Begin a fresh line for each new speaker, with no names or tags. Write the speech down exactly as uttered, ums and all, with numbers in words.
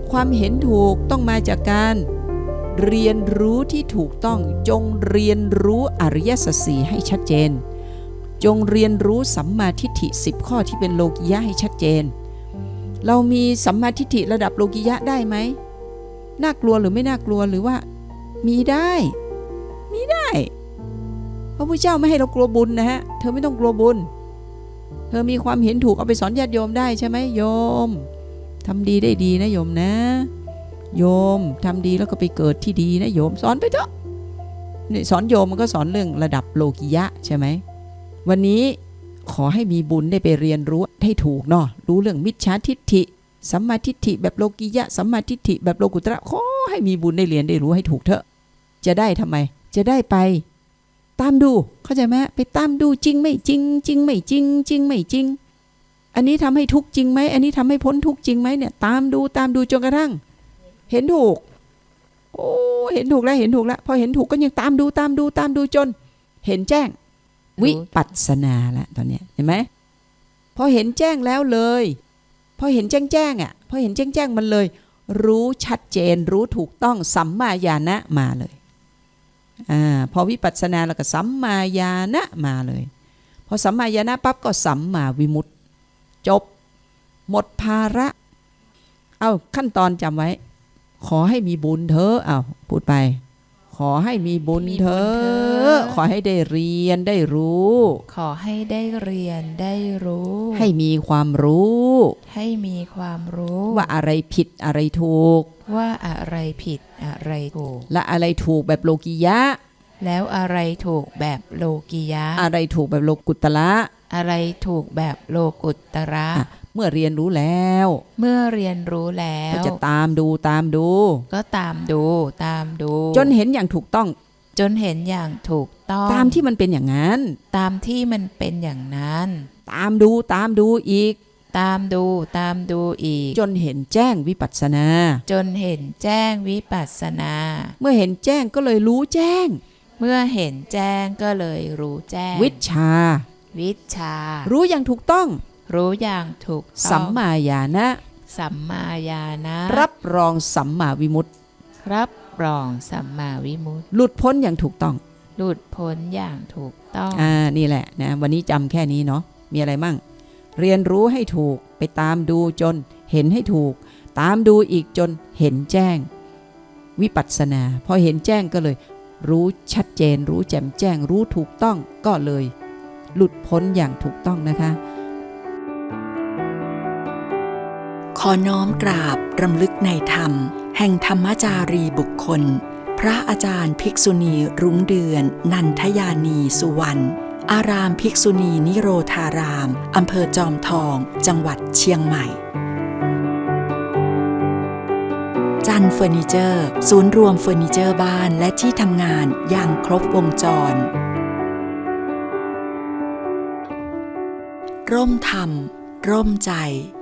ความเห็นถูกต้องมาจากการเรียนรู้ที่ถูกต้องจงเรียนรู้อริยสัจสี่ให้ชัดเจนจงเรียนรู้สัมมาทิฏฐิสิบข้อที่เป็นโลกิยะให้ชัดเจนเรามีสัมมาทิฏฐิระดับโลกิยะได้ไหมน่ากลัวหรือไม่น่ากลัวหรือว่ามีได้มีได้พระพุทธเจ้าไม่ให้เรากลัวบุญนะฮะเธอไม่ต้องกลัวบุญเธอมีความเห็นถูกเอาไปสอนญาติโยมได้ใช่ไหมโยมทำดีได้ดีนะโยมนะโยมทำดีแล้วก็ไปเกิดที่ดีนะโยมสอนไปเถอะนี่สอนโยมมันก็สอนเรื่องระดับโลกิยะใช่ไหมวันนี้ขอให้มีบุญได้ไปเรียนรู้ให้ถูกเนาะรู้เรื่องมิจฉาทิฏฐิสัมมาทิฏฐิแบบโลกิยะสัมมาทิฏฐิแบบโลกุตระขอให้มีบุญได้เรียนได้รู้ให้ถูกเถอะจะได้ทำไมจะได้ไปตามดูเข้าใจไหมไปตามดูจริงไม่จริงจริงไม่จริงจริงไม่จริงอันนี้ทำให้ทุกข์จริงไหมอันนี้ทำให้พ้นทุกข์จริงไหมเนี่ยตามดูตามดูจนกระทั่งเห็นถูกโอ้เห็นถูกแล้วเห็นถูกแล้วพอเห็นถูกก็ยังตามดูตามดูตามดูจนเห็นแจ้งวิปัสสนาละตอนนี้เห็นไหมพอเห็นแจ้งแล้วเลยพอเห็นแจ้งแจ้งอ่ะพอเห็นแจ้งแจ้งมันเลยรู้ชัดเจนรู้ถูกต้องสัมมาญาณะมาเลยอ่าพอวิปัสสนาแล้วก็สัมมาญาณะมาเลยพอสัมมาญาณะปั๊บก็สัมมาวิมุตติจบหมดภาระเอาขั้นตอนจำไว้ขอให้มีบุญเถอะเอาพูดไปขอให้มีบุญเถอะขอให้ได้เรียนได้รู้
ขอให้ได้เรียนได้รู้
ให้มีความรู้
ให้มีความรู้
ว่าอะไรผิดอะไรถูก
ว่าอะไรผิดอะไรถูก
และอะไรถูกแบบโลกิยะ
แล้วอะไรถูกแบบโลกิยะ
อะไรถูกแบบโลกุตระ
อะไรถูกแบบโลกุตระ
เมื่อเรียนรู้แล้ว
เมื่อเรียนรู้แล้ว
ก็จะตามดูตามดู
ก็ตามดูตามดู
จนเห็นอย่างถูกต้อง
จนเห็นอย่างถูกต้อง
ตามที่มันเป็นอย่างนั้น
ตามที่มันเป็นอย่างนั้น
ตามดูตามดูอีก
ตามดูตามดูอีก
จนเห็นแจ้งวิปัสสนา
จนเห็นแจ้งวิปัสสนา
เมื่อเห็นแจ้งก็เลยรู้แจ้ง
เมื่อเห็นแจ้งก็เลยรู้แจ้ง
วิชชา
วิชชา
รู้อย่างถูกต้อง
รู้อย่างถูกต้อง
สัมมาญาณะ
สัมมาญาณะ
รับรองสัมมาวิมุตติ
รับรองสัมมาวิมุตติ
หลุดพ้นอย่างถูกต้อง
หลุดพ้นอย่างถูกต้อง
อ่านี่แหละนะวันนี้จำแค่นี้เนาะมีอะไรมั่งเรียนรู้ให้ถูกไปตามดูจนเห็นให้ถูกตามดูอีกจนเห็นแจ้งวิปัสสนาพอเห็นแจ้งก็เลยรู้ชัดเจนรู้แจ่มแจ้งรู้ถูกต้องก็เลยหลุดพ้นอย่างถูกต้องนะคะ
ขอน้อมกราบรำลึกในธรรมแห่งธรรมจารีบุคคลพระอาจารย์ภิกษุณีรุ้งเดือนนันทยานีสุวรรณอารามภิกษุณีนิโรธารามอำเภอจอมทองจังหวัดเชียงใหม่จันเฟอร์นิเจอร์ศูนย์รวมเฟอร์นิเจอร์บ้านและที่ทำงานอย่างครบวงจรร่มธรรมร่มใจ